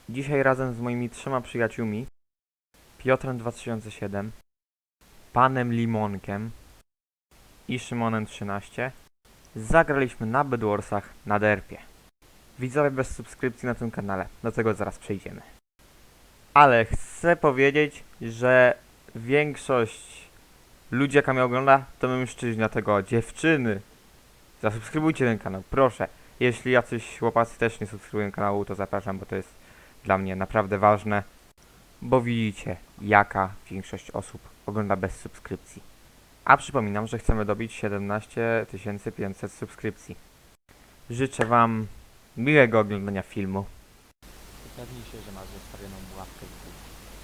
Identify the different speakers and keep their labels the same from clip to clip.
Speaker 1: Dzisiaj razem z moimi 3 przyjaciółmi, Piotrem 2007, Panem Limonkiem i Szymonem 13, zagraliśmy na Bedwarsach na derpie. Widzowie bez subskrypcji na tym kanale, do tego zaraz przejdziemy. Ale chcę powiedzieć, że większość ludzi, jaka mnie ogląda, to mężczyźni, dlatego dziewczyny, zasubskrybujcie ten kanał, proszę. Jeśli jacyś chłopacy też nie subskrybują kanału, to zapraszam, bo to jest dla mnie naprawdę ważne, bo widzicie, jaka większość osób ogląda bez subskrypcji. A przypominam, że chcemy dobić 17 500 subskrypcji. Życzę wam miłego oglądania filmu. Upewnij się, że masz zostawioną łapkę w górę.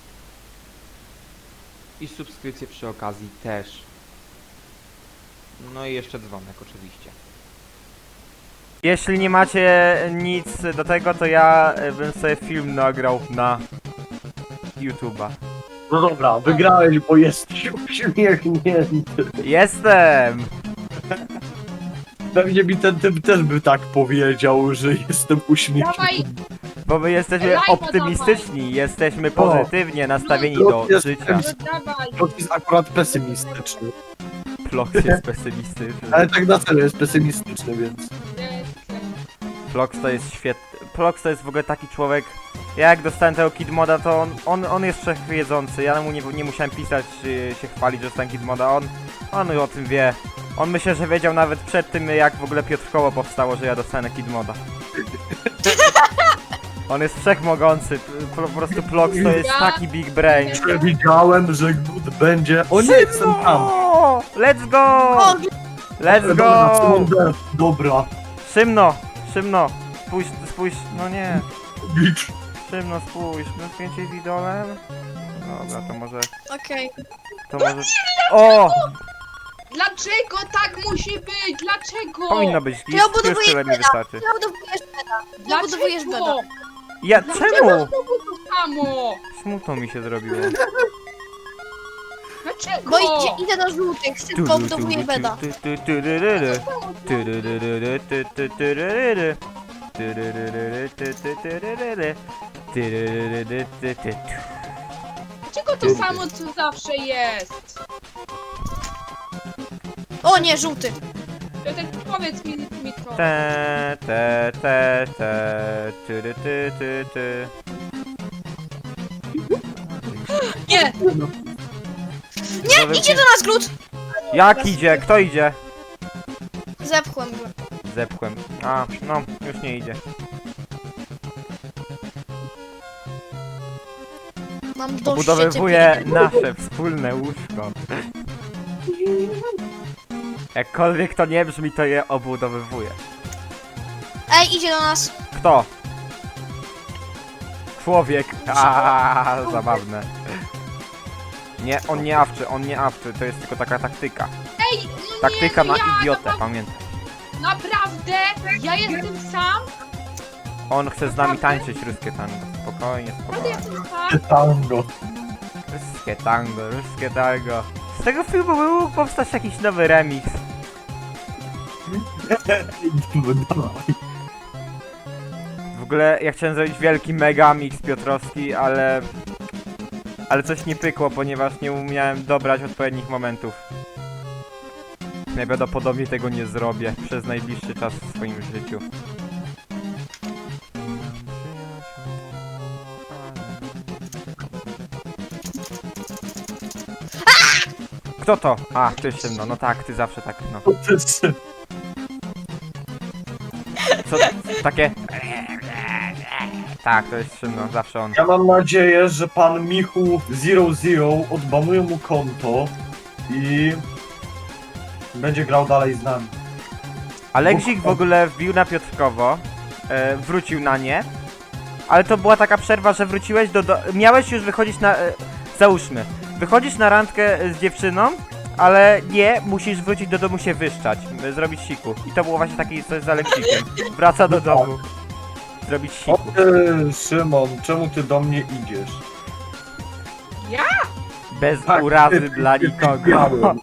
Speaker 1: I subskrypcję przy okazji też. No i jeszcze dzwonek oczywiście. Jeśli nie macie nic do tego, to ja bym sobie film nagrał na YouTube'a.
Speaker 2: No dobra, wygrałeś, bo jesteś uśmiechnięty.
Speaker 1: Jestem!
Speaker 2: Pewnie mi ten typ też by tak powiedział, że jestem uśmiechnięty.
Speaker 3: Dawaj,
Speaker 1: Bo my jesteśmy
Speaker 3: Lajka
Speaker 1: optymistyczni, jesteśmy pozytywnie nastawieni do życia.
Speaker 3: no dawaj.
Speaker 2: To jest akurat pesymistyczny.
Speaker 1: Flox jest pesymistyczny.
Speaker 2: Ale tak na serio jest pesymistyczny, więc...
Speaker 1: Flox to jest świetny. Flox to jest w ogóle taki człowiek. Ja jak dostałem tego Kid Moda, to on jest wszechwiedzący. Ja mu nie musiałem pisać, czy się chwalić, że dostałem Kid Moda. On o tym wie. On myślę, że wiedział nawet przed tym, jak w ogóle Piotrkowo powstało, że ja dostanę Kid Moda. On jest wszechmogący. Po prostu Flox to jest taki big brain.
Speaker 2: Przewidziałem, że Glut będzie... O nie, jestem tam!
Speaker 1: Let's go! Let's go!
Speaker 2: Dobra.
Speaker 1: Szymno, spójrz, no nie.
Speaker 2: Bicz.
Speaker 1: Szymno, spójrz, no zdjęcie z idolem. Dobra, to może...
Speaker 4: Okej.
Speaker 1: To może... O!
Speaker 3: Dlaczego tak musi być? Dlaczego?
Speaker 1: Powinno być
Speaker 4: Ja
Speaker 1: git, już
Speaker 4: budowuję
Speaker 1: tyle mi
Speaker 4: beda.
Speaker 1: wystarczy.
Speaker 4: Zabudowujesz beda. Zabudowujesz beda.
Speaker 3: Dlaczego?
Speaker 1: Ja,
Speaker 3: Dlaczego
Speaker 1: czemu?
Speaker 3: znowu to samo?
Speaker 1: Smutno mi się zrobiło.
Speaker 3: Dlaczego?
Speaker 4: Bo idę do żółtych, szybko budowuję beda.
Speaker 3: Dlaczego to samo co zawsze jest?
Speaker 4: O nie, żółty.
Speaker 3: Piotr, powiedz mi to.
Speaker 4: Nie, nie, idzie do nas glut.
Speaker 1: Jak idzie? Kto idzie?
Speaker 4: Zepchłem go.
Speaker 1: Zepchłem. A, no, już nie idzie.
Speaker 4: Mam dość
Speaker 1: Obudowywuję nasze wspólne łóżko. Jakkolwiek to nie brzmi, to je obudowywuję.
Speaker 4: Ej, idzie do nas.
Speaker 1: Kto? Człowiek. Zabawne. Nie, on nie awczy, to jest tylko taka taktyka.
Speaker 3: Ej, no
Speaker 1: Taktyka
Speaker 3: nie,
Speaker 1: na
Speaker 3: ja,
Speaker 1: idiotę, pamiętaj.
Speaker 3: Naprawdę? Ja jestem sam?
Speaker 1: On chce z nami tańczyć ruskie tango. Spokojnie,
Speaker 3: Naprawdę
Speaker 1: spokojnie.
Speaker 3: jestem sam?
Speaker 2: Tango.
Speaker 1: Ruskie tango. Z tego filmu by mógł powstać jakiś nowy remix.
Speaker 2: Dawaj.
Speaker 1: W ogóle ja chciałem zrobić wielki megamix piotrowski, ale coś nie pykło, ponieważ nie umiałem dobrać odpowiednich momentów. Najprawdopodobniej tego nie zrobię przez najbliższy czas w swoim życiu. Kto to? A, ty Szymno, no tak, ty zawsze tak, no.
Speaker 2: To jest...
Speaker 1: Co, takie... Tak, to jest Szymno, zawsze on.
Speaker 2: Ja mam nadzieję, że pan Michu 00 odbanuje mu konto i będzie grał dalej z nami.
Speaker 1: Aleksik w ogóle wbił na Piotrkowo, wrócił na nie, ale to była taka przerwa, że wróciłeś miałeś już wychodzić na... załóżmy, wychodzisz na randkę z dziewczyną, ale nie, musisz wrócić do domu się wyszczać, zrobić siku. I to było właśnie takie coś z Aleksikiem. Wraca do domu. Zrobić
Speaker 2: O
Speaker 1: siku.
Speaker 2: ty, Szymon, czemu ty do mnie idziesz?
Speaker 3: Ja?
Speaker 1: Bez
Speaker 2: Tak,
Speaker 1: urazy
Speaker 2: ty
Speaker 1: dla nikogo.
Speaker 2: biały.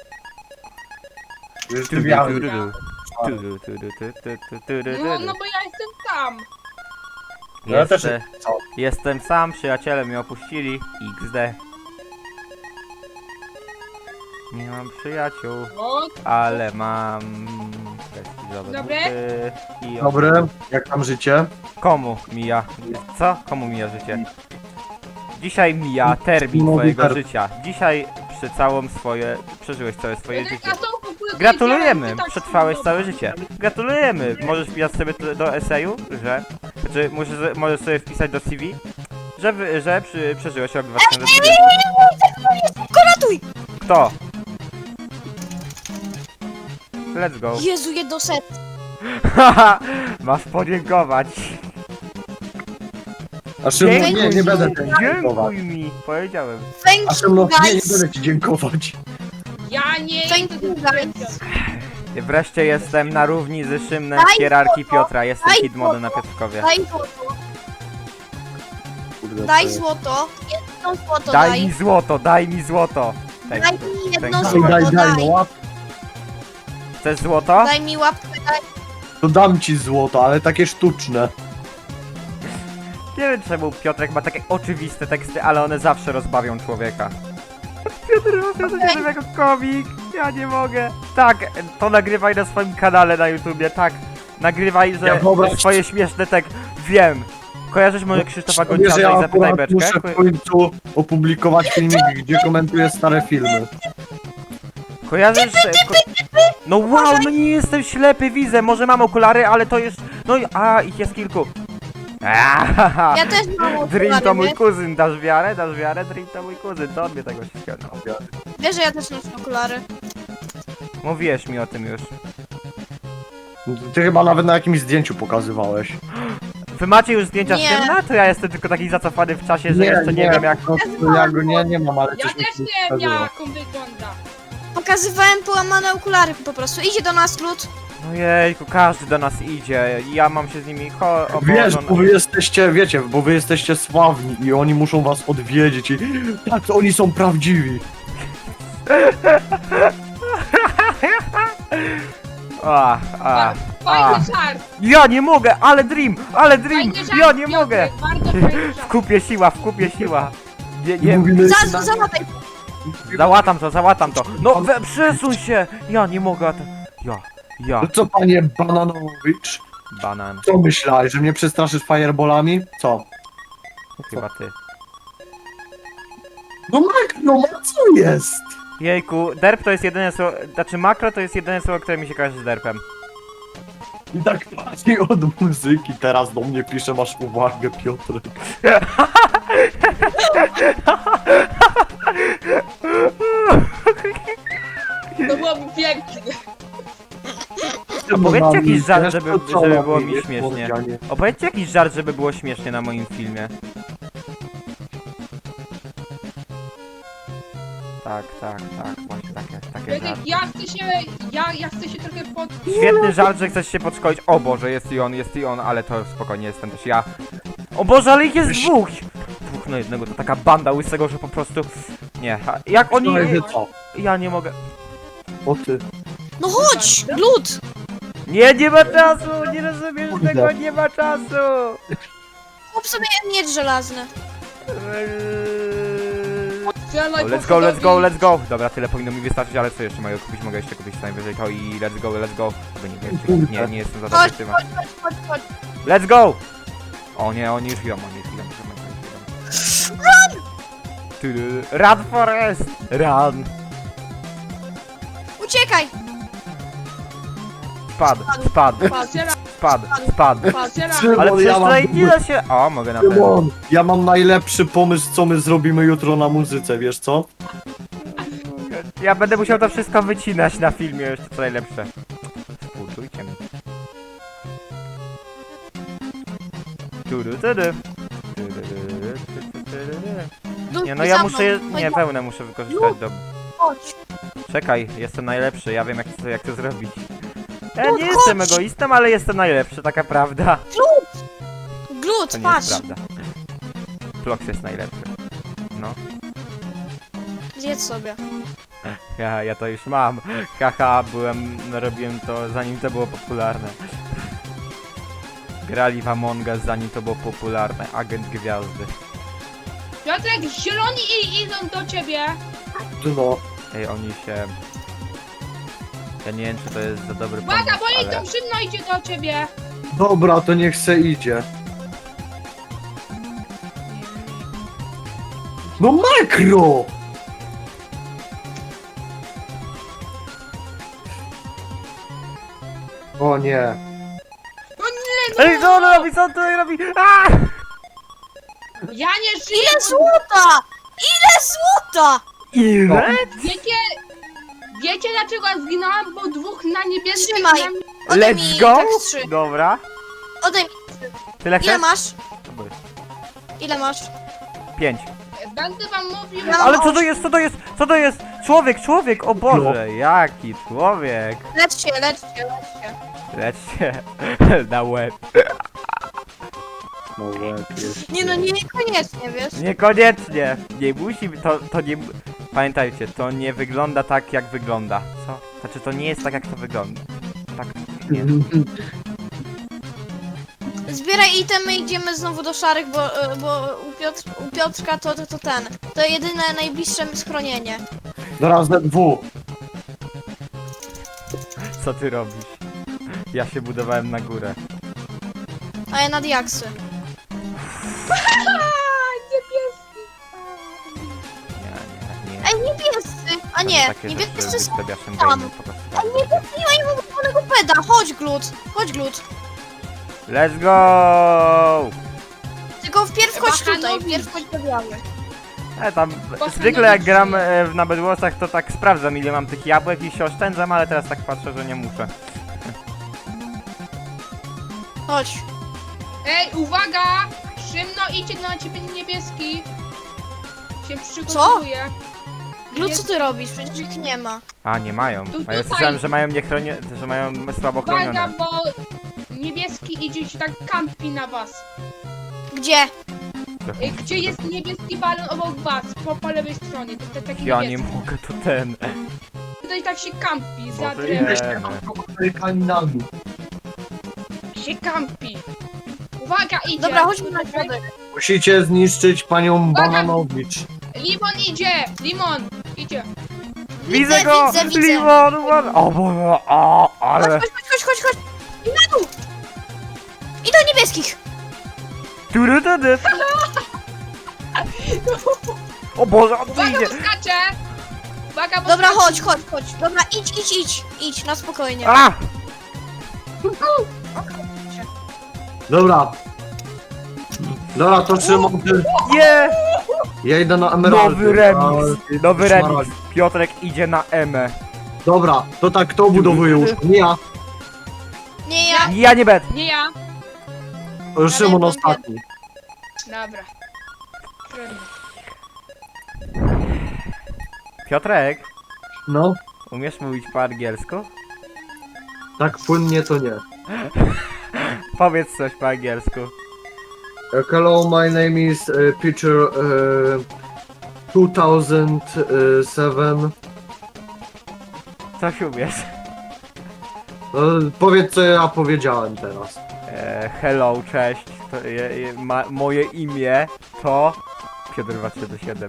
Speaker 2: Już ty biały.
Speaker 3: No bo ja jestem sam.
Speaker 2: Ja też
Speaker 1: Jeszcze-
Speaker 2: nie co?
Speaker 1: Jestem sam, przyjaciele mnie opuścili. XD. Nie mam przyjaciół,
Speaker 3: O,
Speaker 1: ale mam prestiżowe
Speaker 3: Dobre?
Speaker 1: buty i
Speaker 2: Dobry, jak tam życie?
Speaker 1: Komu mija? Co? Komu mija życie? Dzisiaj mija termin
Speaker 2: No,
Speaker 1: twojego
Speaker 2: Wiktor.
Speaker 1: życia. Dzisiaj przeżyłeś całe swoje
Speaker 3: Piotrek,
Speaker 1: życie.
Speaker 3: a co w ogóle
Speaker 1: Gratulujemy!
Speaker 3: powiedziałem? Ty tak
Speaker 1: Przetrwałeś
Speaker 3: dobra.
Speaker 1: całe życie. Gratulujemy! Możesz wpisać sobie do eseju, że... Znaczy, możesz sobie wpisać do CV, że przeżyłeś rok 2020.
Speaker 4: Ratuj!
Speaker 1: Kto? Let's go.
Speaker 4: Jezu, jedno set.
Speaker 1: Haha! Masz podziękować.
Speaker 2: A Szymon,
Speaker 1: Dziękuj
Speaker 2: nie
Speaker 1: mi,
Speaker 2: będę ci dziękować.
Speaker 1: Dziękuj mi, powiedziałem.
Speaker 2: A
Speaker 4: Thank
Speaker 2: Szymon,
Speaker 4: you,
Speaker 2: nie
Speaker 4: guys.
Speaker 2: będę ci dziękować.
Speaker 3: Ja nie
Speaker 4: Thank
Speaker 3: idę
Speaker 4: you,
Speaker 3: do
Speaker 4: guys.
Speaker 1: Wreszcie jestem na równi z Szymnem
Speaker 4: Daj
Speaker 1: w hierarchii
Speaker 4: złoto,
Speaker 1: Piotra. Jestem
Speaker 4: daj
Speaker 1: Kidmodem na
Speaker 4: złoto.
Speaker 1: Piotrkowie.
Speaker 4: Daj złoto.
Speaker 2: Kurde,
Speaker 4: Daj
Speaker 2: to-
Speaker 4: złoto. Jedno złoto
Speaker 1: Daj
Speaker 4: daj.
Speaker 1: mi złoto, daj mi złoto.
Speaker 4: Daj
Speaker 1: Tak.
Speaker 4: mi jedno
Speaker 1: Daj,
Speaker 4: złoto,
Speaker 2: Daj,
Speaker 4: daj.
Speaker 2: no łap,
Speaker 1: Chcesz złoto?
Speaker 4: Daj mi łapkę, daj.
Speaker 2: to dam ci złoto, ale takie sztuczne.
Speaker 1: Nie wiem czemu Piotrek ma takie oczywiste teksty, ale one zawsze rozbawią człowieka. Piotr jako komik, ja nie mogę. Tak, to nagrywaj na swoim kanale na YouTubie, tak. Nagrywaj, że
Speaker 2: Ja wyobraź-
Speaker 1: swoje śmieszne Wiem. Kojarzysz może Krzysztofa
Speaker 2: Wiesz,
Speaker 1: Gonciarza
Speaker 2: ja
Speaker 1: i Zapytaj
Speaker 2: akurat
Speaker 1: Beczkę?
Speaker 2: muszę w końcu opublikować filmik, gdzie komentuję stare filmy.
Speaker 1: Kojarzysz... No wow, no nie jestem ślepy, widzę, może mam okulary, ale to jest... No i... A, ich jest kilku. Aaaa,
Speaker 4: Ja też mam
Speaker 1: Dream to
Speaker 4: okulary,
Speaker 1: mój
Speaker 4: wiesz?
Speaker 1: kuzyn, dasz wiarę? Dasz wiarę? Dream to mój kuzyn, to on mnie tego ściągnął.
Speaker 4: Wiesz, że ja też noszę okulary.
Speaker 1: Mówiłeś mi o tym już.
Speaker 2: Ty chyba nawet na jakimś zdjęciu pokazywałeś.
Speaker 1: Wy macie już zdjęcia
Speaker 4: Nie.
Speaker 1: z Szymna? To ja jestem tylko taki zacofany w czasie, że jeszcze nie wiem jak...
Speaker 2: po prostu ja go nie mam, ale
Speaker 3: Ja
Speaker 2: coś mi
Speaker 3: też
Speaker 2: tu
Speaker 3: nie wiem
Speaker 2: pokazywa.
Speaker 3: jak on wygląda.
Speaker 4: Pokazywałem połamane okulary po prostu. Idzie do nas lud.
Speaker 1: Ojejku, każdy do nas idzie. Ja mam się z nimi... O
Speaker 2: Wiesz,
Speaker 1: Boże,
Speaker 2: bo wy jesteście, wiecie, bo wy jesteście sławni i oni muszą was odwiedzić i tak, to oni są prawdziwi.
Speaker 1: A.
Speaker 3: Fajny żart.
Speaker 1: Ja nie mogę, ale Dream,
Speaker 3: Fajny żart,
Speaker 1: ja nie
Speaker 3: Piotrek,
Speaker 1: mogę.
Speaker 3: Bardzo fajny
Speaker 1: W
Speaker 3: żart.
Speaker 1: kupie siła. Nie,
Speaker 2: I
Speaker 1: nie,
Speaker 2: mówimy,
Speaker 4: Załataj.
Speaker 1: załatam to. No, przesuń się. Ja nie mogę, ja.
Speaker 2: no co panie Bananowicz?
Speaker 1: Banan,
Speaker 2: Co myślałeś, że mnie przestraszysz fireballami? Co?
Speaker 1: chyba ty.
Speaker 2: No co jest?
Speaker 1: Jejku, derp to jest jedyne słowo, znaczy makro to jest jedyne słowo, które mi się kojarzy z derpem.
Speaker 2: I tak pani od muzyki teraz do mnie pisze, masz uwagę, Piotrek.
Speaker 3: To byłoby piękne.
Speaker 1: Opowiedzcie jakiś żart,
Speaker 2: Wiesz,
Speaker 1: żeby
Speaker 2: to co
Speaker 1: było mi
Speaker 2: robisz,
Speaker 1: śmiesznie.
Speaker 2: Morganie?
Speaker 1: Opowiedzcie jakiś żart, żeby było śmiesznie na moim filmie. Tak, właśnie takie
Speaker 3: Piotrek,
Speaker 1: żarty.
Speaker 3: ja chcę się trochę pod...
Speaker 1: Świetny żart, że chcesz się podszkolić. O Boże, jest i on, ale to spokojnie, jestem też ja. O Boże, ale ich jest dwóch! Dwóch na jednego, to taka banda łysego, że po prostu... Nie, jak oni...
Speaker 2: No i wy co?
Speaker 1: Ja nie mogę...
Speaker 2: O ty.
Speaker 4: No chodź, lud.
Speaker 1: Nie ma czasu! Nie rozumiesz
Speaker 2: Kurde.
Speaker 1: tego, nie ma czasu!
Speaker 4: Kup sobie miecz żelazny.
Speaker 3: Strzelaj po
Speaker 1: Let's go! Dobra, tyle powinno mi wystarczyć, ale co jeszcze mogę kupić? Mogę jeszcze kupić co najwyżej to i let's go. Bo nie wiem, nie jestem za dobry
Speaker 4: Chodź,
Speaker 1: w tym.
Speaker 4: chodź.
Speaker 1: Let's go! O nie, oni już idą. Run Forest! Run!
Speaker 4: Uciekaj.
Speaker 1: Spadł.
Speaker 3: Strzelaj.
Speaker 1: Ale
Speaker 2: Szymon,
Speaker 1: przecież
Speaker 2: ja mam,
Speaker 1: tutaj nie da się... O, mogę na pewno.
Speaker 2: Szymon, ja mam najlepszy pomysł, co my zrobimy jutro na muzyce, wiesz co?
Speaker 1: Ja będę musiał to wszystko wycinać na filmie, jeszcze co najlepsze. Współczujcie mi.
Speaker 4: Lud,
Speaker 1: Nie, no ja
Speaker 4: za
Speaker 1: muszę...
Speaker 4: mną.
Speaker 1: Nie, wełnę muszę wykorzystać do...
Speaker 4: Chodź.
Speaker 1: Czekaj, jestem najlepszy, ja wiem jak to zrobić. Ja
Speaker 4: No
Speaker 1: nie
Speaker 4: chodź.
Speaker 1: jestem egoistą, ale jestem najlepszy, taka prawda.
Speaker 4: Glut,
Speaker 1: To nie
Speaker 4: patrz.
Speaker 1: jest prawda. Flox jest najlepszy. No.
Speaker 4: Zjedz sobie.
Speaker 1: Ja to już mam. Haha, robiłem to zanim to było popularne. grali w Among Us, zanim to było popularne. Agent Gwiazdy.
Speaker 3: Piotrek, zieloni idą do ciebie.
Speaker 2: No.
Speaker 1: Ej, oni się... Ja nie wiem, czy to jest za dobry
Speaker 3: Uwaga,
Speaker 1: pomysł,
Speaker 3: bo jej
Speaker 1: ale...
Speaker 3: drużyno idzie do ciebie.
Speaker 2: Dobra, to niech se idzie. No makro! O nie.
Speaker 3: No nie, no.
Speaker 1: Ej, co on robi? Co on tutaj robi? Aaaa!
Speaker 3: Ja nie żyję.
Speaker 4: Ile złota? Ile złota?
Speaker 1: Ile?
Speaker 3: Wiecie dlaczego ja zginąłem? Bo dwóch na niebieskim...
Speaker 4: Trzymaj. Oddaj mi
Speaker 1: Let's go!
Speaker 4: tak 3.
Speaker 1: Dobra.
Speaker 4: Oddaj mi.
Speaker 1: Tyle
Speaker 4: Ile
Speaker 1: chcesz?
Speaker 4: masz? Ile masz?
Speaker 1: 5.
Speaker 3: Będę wam mówił...
Speaker 4: Ja-
Speaker 1: Ale co to jest? Co to jest? Co to jest? Człowiek, o Boże, jaki człowiek.
Speaker 4: Lecz się, lecz się, lecz się.
Speaker 1: Leć się na łeb.
Speaker 2: No łeb jest.
Speaker 4: Nie no, niekoniecznie, wiesz?
Speaker 1: Niekoniecznie. Nie musi, to nie... Pamiętajcie, to nie wygląda tak, jak wygląda. Co? Znaczy, to nie jest tak, jak to wygląda. Tak, nie.
Speaker 4: Zbieraj itemy, idziemy znowu do szarych, bo u Piotrka to ten. To jedyne najbliższe schronienie.
Speaker 2: Zaraz ZW.
Speaker 1: Co ty robisz? Ja się budowałem na górę.
Speaker 4: A ja na diaksy.
Speaker 3: Niebieski.
Speaker 1: Nie.
Speaker 4: Ej, niebiescy! A nie,
Speaker 1: Takie
Speaker 4: niebiescy
Speaker 1: rzeczy
Speaker 4: są
Speaker 1: wystawiaszem
Speaker 4: tam.
Speaker 1: game'u po prostu.
Speaker 4: A niebiescy nie mają wolnego peda. Chodź, Glut. Chodź, Glut.
Speaker 1: Let's go!
Speaker 4: Tylko wpierw chodź tutaj,
Speaker 3: Bachanowi.
Speaker 4: wpierw chodź do białych.
Speaker 1: Tam
Speaker 3: Bachanowi
Speaker 1: zwykle jak gram
Speaker 3: żyje.
Speaker 1: na Bedwarsach, to tak sprawdzam, ile mam tych jabłek i się oszczędzam, ale teraz tak patrzę, że nie muszę.
Speaker 4: Chodź.
Speaker 3: Ej, uwaga! Szymno, idzie na ciebie niebieski. Się przygotowuje.
Speaker 4: Glut, co ty robisz? Przecież ich nie ma.
Speaker 1: A, nie mają.
Speaker 3: Tu
Speaker 1: A ja
Speaker 3: tutaj.
Speaker 1: słyszałem, że mają że mają słabo
Speaker 3: Uwaga,
Speaker 1: chronione.
Speaker 3: bo niebieski idzie się tak kampi na was.
Speaker 4: Gdzie?
Speaker 3: Ej, gdzie jest niebieski balon obok was? Po lewej stronie. To taki
Speaker 1: Ja nie
Speaker 3: niebieski.
Speaker 1: mogę, to ten.
Speaker 3: Tutaj tak się kampi, za
Speaker 1: Może
Speaker 3: drewnem.
Speaker 1: idziemy.
Speaker 2: Kaninami.
Speaker 3: Się kampi. Uwaga, idzie.
Speaker 4: Dobra, chodźmy na środek.
Speaker 2: Musicie zniszczyć panią Bananowicz.
Speaker 3: Limon idzie! Limon! Idzie!
Speaker 1: Widzę go!
Speaker 4: widzę.
Speaker 1: Limon! O Boże, o, ale...
Speaker 4: Chodź. I na dół! I do niebieskich!
Speaker 1: Turutudu. O Boże, on tu
Speaker 3: Uwaga,
Speaker 1: idzie!
Speaker 3: bo skacze! Uwaga, bo
Speaker 4: Dobra,
Speaker 3: skacze.
Speaker 4: chodź. Dobra, idź, na spokojnie.
Speaker 1: A!
Speaker 2: Dobra. Dobra, to Szymon, ty...
Speaker 1: Nie!
Speaker 2: Ja idę na emeraldy.
Speaker 1: Nowy remix!
Speaker 2: A,
Speaker 1: Nowy
Speaker 2: szmaragd.
Speaker 1: remix! Piotrek idzie na Emę.
Speaker 2: Dobra, to tak, kto budowuje łóżko? Nie ja.
Speaker 4: Nie ja.
Speaker 1: Ja nie będę!
Speaker 3: Nie ja.
Speaker 2: To Szymon
Speaker 4: Ale
Speaker 2: ostatni.
Speaker 3: Dobra. Trudno.
Speaker 1: Piotrek,
Speaker 2: No,
Speaker 1: umiesz mówić po angielsku?
Speaker 2: tak płynnie to nie.
Speaker 1: Powiedz coś po angielsku.
Speaker 2: Hello, my name is Peter 2007.
Speaker 1: Coś umiesz?
Speaker 2: Powiedz, co ja powiedziałem teraz.
Speaker 1: Hello, cześć. Moje imię to... Piotr 237.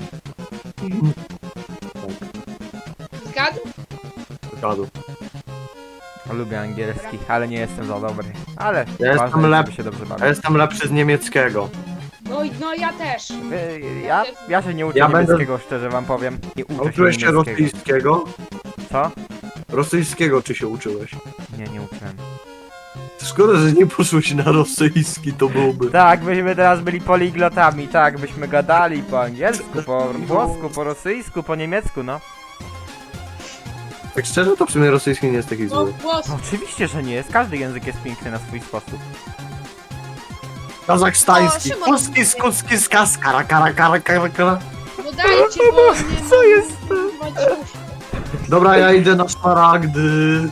Speaker 3: Zgadł?
Speaker 2: Zgadł.
Speaker 1: Lubię angielski, ale nie jestem za dobry. Ale
Speaker 2: Ja jestem
Speaker 1: ważne,
Speaker 2: lep-
Speaker 1: żeby się dobrze
Speaker 2: Ja
Speaker 1: bawić.
Speaker 2: jestem lepszy z niemieckiego.
Speaker 3: No ja też.
Speaker 1: Ja się nie uczę
Speaker 2: Ja będę-
Speaker 1: niemieckiego, szczerze wam powiem. Nie uczę się
Speaker 2: Uczyłeś się
Speaker 1: niemieckiego.
Speaker 2: rosyjskiego?
Speaker 1: Co?
Speaker 2: Rosyjskiego czy się uczyłeś?
Speaker 1: Nie uczyłem.
Speaker 2: Szkoda, że nie poszłeś na rosyjski, to byłoby...
Speaker 1: Tak, byśmy teraz byli poliglotami, tak, byśmy gadali po angielsku, po włosku, po rosyjsku, po niemiecku, no.
Speaker 2: Tak szczerze, to w sumie rosyjski nie jest taki
Speaker 3: No
Speaker 2: zły.
Speaker 3: głos.
Speaker 1: No oczywiście, że nie jest. Każdy język jest piękny na swój sposób.
Speaker 2: Kazachstański,
Speaker 4: O, Szymon.
Speaker 2: polski, skuski, skaz, kara, kara, kara, kara, kara.
Speaker 3: No dajcie, bo nie
Speaker 1: Co jest?
Speaker 2: Dobra, ja idę na szmaragdy.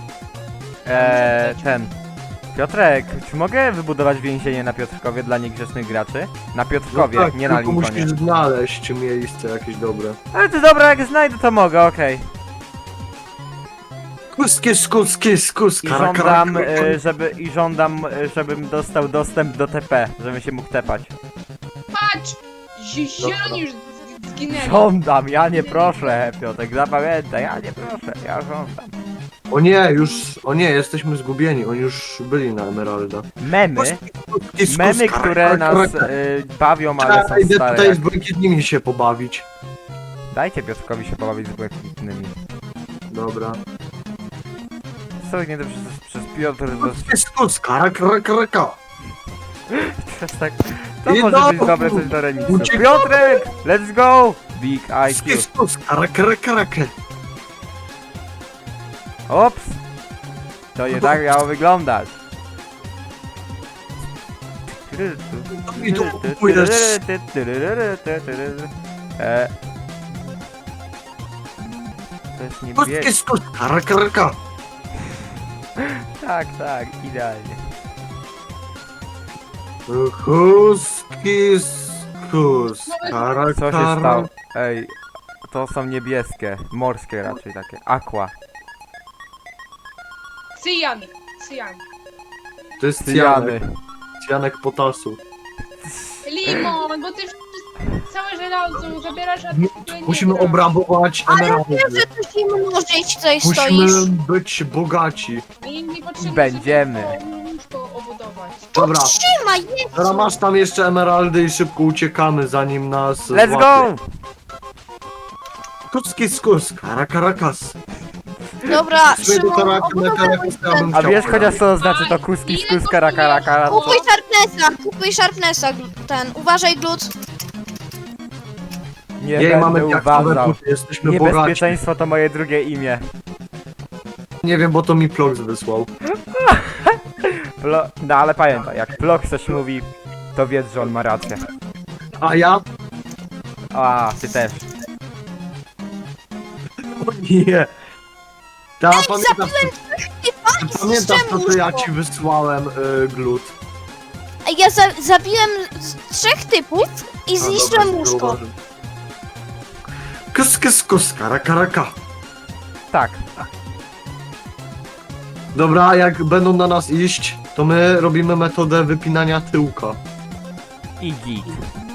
Speaker 1: Ten. Piotrek, czy mogę wybudować więzienie na Piotrkowie dla niegrzecznych graczy? Na Piotrkowie,
Speaker 2: No tak,
Speaker 1: nie na
Speaker 2: tylko
Speaker 1: Lincolnie.
Speaker 2: musisz znaleźć miejsce jakieś dobre.
Speaker 1: Ale to dobra, jak znajdę to mogę, okej.
Speaker 2: Skus.
Speaker 1: I żądam, żebym dostał dostęp do TP, żebym się mógł tepać.
Speaker 3: Patrz! Zieloni już zginęli.
Speaker 1: Żądam, ja nie proszę, Piotrek, zapamiętaj, ja nie proszę, ja żądam.
Speaker 2: O nie, jesteśmy zgubieni, oni już byli na Emeralda.
Speaker 1: Memy, które nas bawią, ale są
Speaker 2: Idę
Speaker 1: stare.
Speaker 2: tutaj z błękitnymi się pobawić.
Speaker 1: Dajcie Piotrkowi się pobawić z błękitnymi.
Speaker 2: Dobra.
Speaker 1: Słownie przez Piotr,
Speaker 2: Skus, karaka.
Speaker 1: przez tak... To
Speaker 2: I
Speaker 1: może być
Speaker 2: no,
Speaker 1: dobre coś do remisu.
Speaker 2: uciekamy.
Speaker 1: Piotrek, let's go! Big IQ.
Speaker 2: Skus, karaka.
Speaker 1: Ops! To nie tak miało wyglądać.
Speaker 2: I tu kupujesz.
Speaker 1: To jest niebieskie.
Speaker 2: Skus, karaka.
Speaker 1: Tak, idealnie.
Speaker 2: Skus, karaka.
Speaker 1: Co się stało? Ej, to są niebieskie, morskie raczej takie. Aqua.
Speaker 3: Cyjan.
Speaker 2: To jest
Speaker 1: Cyjany.
Speaker 2: Cyjanek potasu.
Speaker 3: Limon, bo ty całe żelazo zabierasz, a ty nie
Speaker 2: Musimy
Speaker 3: grasz.
Speaker 2: obrabować emeraldy.
Speaker 4: Wiem, że tu się mnożyć tutaj
Speaker 2: Musimy
Speaker 4: stoisz.
Speaker 2: być bogaci.
Speaker 3: Nie potrzebujemy
Speaker 1: Będziemy.
Speaker 3: łóżko obudować.
Speaker 2: Dobra,
Speaker 4: Trzymaj, jedź!
Speaker 2: teraz masz tam jeszcze emeraldy i szybko uciekamy zanim nas
Speaker 1: Let's
Speaker 2: złapie.
Speaker 1: go!
Speaker 2: Skus, karakas.
Speaker 4: Dobra,
Speaker 2: Szymon,
Speaker 4: Szymon,
Speaker 2: ja bym
Speaker 1: A
Speaker 2: chciał
Speaker 1: wiesz chociaż co to
Speaker 3: Aj,
Speaker 1: znaczy to kuski,
Speaker 3: ile
Speaker 1: skus,
Speaker 3: kosztuje?
Speaker 1: kara.
Speaker 4: kupuj Sharpnessa, ten, uważaj glut.
Speaker 1: Nie
Speaker 2: Jej, mamy
Speaker 1: będę
Speaker 2: diaksowe
Speaker 1: uważał.
Speaker 2: buty, jesteśmy bogaci.
Speaker 1: Niebezpieczeństwo to moje drugie imię.
Speaker 2: Nie wiem, bo to mi Plox wysłał.
Speaker 1: No ale pamiętaj, jak Plok coś mówi, to wiedz, że on ma rację.
Speaker 2: A ja?
Speaker 1: A, ty też.
Speaker 2: O nie. Ta, pamiętam,
Speaker 4: I
Speaker 2: pamiętam to, co ja
Speaker 4: łóżko.
Speaker 2: ci wysłałem, glut.
Speaker 4: Ja zabiłem 3 typów i zniszczyłem łóżko.
Speaker 2: Skus, karaka.
Speaker 1: Tak.
Speaker 2: Dobra, jak będą na nas iść, to my robimy metodę wypinania tyłka.
Speaker 1: I git.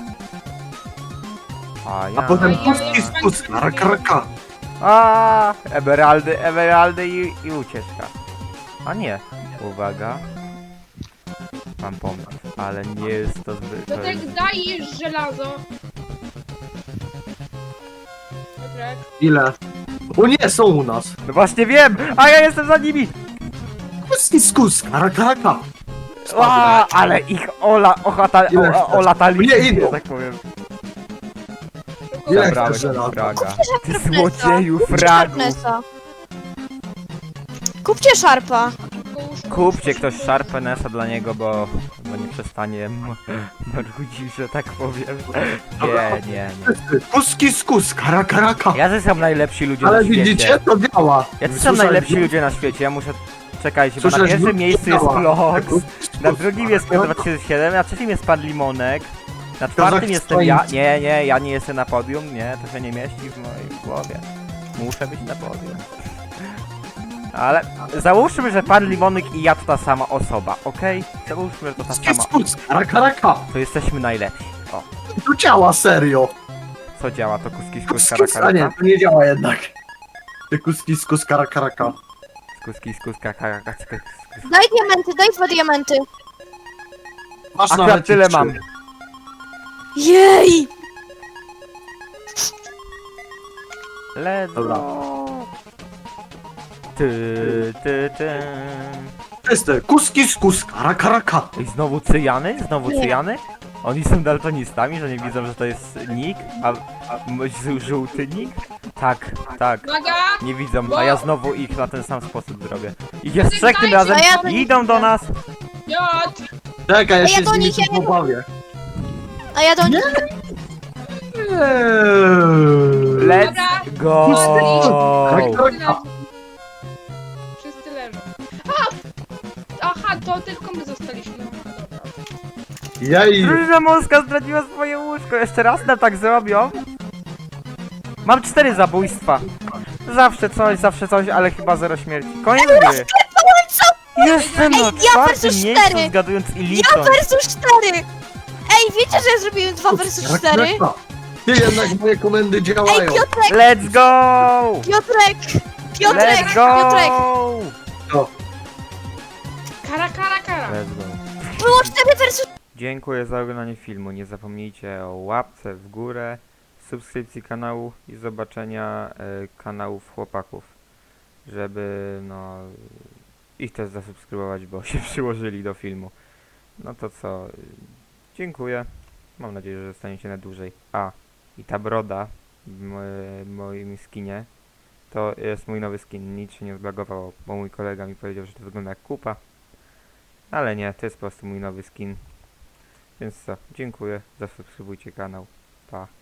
Speaker 2: A
Speaker 1: ja.
Speaker 2: potem
Speaker 3: ja-
Speaker 2: skus, karaka.
Speaker 1: A, emeraldy i ucieczka. A nie. Uwaga. Mam pomysł, ale nie jest to zbyt...
Speaker 3: To tak dajesz żelazo. Piotrek.
Speaker 2: Ile? O nie, są u nas.
Speaker 1: No właśnie wiem! A ja jestem za nimi!
Speaker 2: Skus, karaka.
Speaker 1: A, ale ich olatali,
Speaker 2: Nie idą.
Speaker 1: że tak powiem.
Speaker 2: Ile
Speaker 1: Zabrałeś
Speaker 2: chcesz
Speaker 1: mi
Speaker 2: żelaza?
Speaker 1: fraga. Ty złodzieju fragu!
Speaker 4: Sharpnessa. Kupcie Sharpa.
Speaker 3: Tylko łóżko,
Speaker 1: Kupcie
Speaker 3: łóżko,
Speaker 1: ktoś
Speaker 3: łóżko.
Speaker 1: Sharpę Nessa dla niego, bo nie przestanie marudzić, że tak powiem. Nie.
Speaker 2: Skus, karaka.
Speaker 1: Jacy są najlepsi ludzie
Speaker 2: Ale
Speaker 1: na świecie?
Speaker 2: widzicie, to działa.
Speaker 1: Jacy są
Speaker 2: Słyszałeś?
Speaker 1: najlepsi ludzie na świecie? Ja muszę... Czekajcie, bo na
Speaker 2: Słyszałeś?
Speaker 1: pierwszym miejscu jest
Speaker 2: Działa.
Speaker 1: Plox, na
Speaker 2: Skus,
Speaker 1: drugim jest
Speaker 2: karaka.
Speaker 1: 2007, na trzecim jest Pan Limonek, na czwartym jestem ja... Nie, ja nie jestem na podium, nie, to się nie mieści w mojej głowie. Muszę być na podium. Ale załóżmy, że Pan Limonek i ja to ta sama osoba, okej? Załóżmy, że to ta sama...
Speaker 2: Skus, karaka.
Speaker 1: To jesteśmy najlepsi. O,
Speaker 2: To działa, serio.
Speaker 1: co działa? To kuski skus
Speaker 2: Skus, a nie,
Speaker 1: karaka?
Speaker 2: to nie działa jednak. Ty skus, karaka.
Speaker 1: Kuski skus karaka.
Speaker 4: Daj diamenty, daj 2 diamenty.
Speaker 2: Masz
Speaker 1: Akurat
Speaker 2: nawet
Speaker 1: tyle
Speaker 2: trzy.
Speaker 1: mam.
Speaker 4: Jej!
Speaker 1: Let's
Speaker 2: Dobra.
Speaker 1: go. Ty.
Speaker 2: Czysty, skus, karaka.
Speaker 1: I znowu cyjany? Znowu cyjany? Oni są daltonistami, że nie widzą, że to jest nick? A żółty nick? Tak.
Speaker 3: Uwaga!
Speaker 1: Nie widzą, a ja znowu ich na ten sam sposób zrobię. Ich jest 3 tym
Speaker 3: Dajcie,
Speaker 1: razem
Speaker 4: a ja to
Speaker 1: i
Speaker 4: nie
Speaker 1: idą do
Speaker 4: widzę.
Speaker 1: nas.
Speaker 3: Piotr!
Speaker 2: Czekaj, ja
Speaker 4: A
Speaker 2: się
Speaker 4: ja do
Speaker 2: z nimi
Speaker 4: nich
Speaker 2: tu
Speaker 4: nie-
Speaker 2: pobawię.
Speaker 4: A ja do nich...
Speaker 1: Let's go!
Speaker 2: Karaka.
Speaker 3: Wszyscy leżą. Aha, to tylko my zostaliśmy. Aha, dobra.
Speaker 2: Jej.
Speaker 1: Drużyna morska zdradziła swoje łóżko. Jeszcze raz nam tak zrobią? Mam 4 zabójstwa. Zawsze coś, ale chyba zero śmierci. Koniec gry! Jestem na
Speaker 4: ja
Speaker 1: czwartym
Speaker 4: versus
Speaker 1: miejscu,
Speaker 4: 4.
Speaker 1: zgadując i
Speaker 4: Ja
Speaker 1: licząc.
Speaker 4: versus 4! Ej, wiecie, że ja zrobiłem 2 versus 4?
Speaker 5: Ty jednak moje komendy
Speaker 4: Ej,
Speaker 5: działają.
Speaker 4: Piotrek,
Speaker 1: Let's go!
Speaker 4: Piotrek, Piotrek,
Speaker 1: Let's go!
Speaker 4: Piotrek!
Speaker 3: Kara.
Speaker 1: Let's go.
Speaker 4: Było 4 versus...
Speaker 1: Dziękuję za oglądanie filmu. Nie zapomnijcie o łapce w górę, subskrypcji kanału i zobaczenia kanałów chłopaków, żeby no ich też zasubskrybować, bo się przyłożyli do filmu. No to co? Dziękuję. Mam nadzieję, że zostaniecie na dłużej. A, i ta broda w moim skinie to jest mój nowy skin. Nic się nie zbagowało, bo mój kolega mi powiedział, że to wygląda jak kupa. Ale nie, to jest po prostu mój nowy skin. Więc co, dziękuję, zasubskrybujcie kanał. Pa.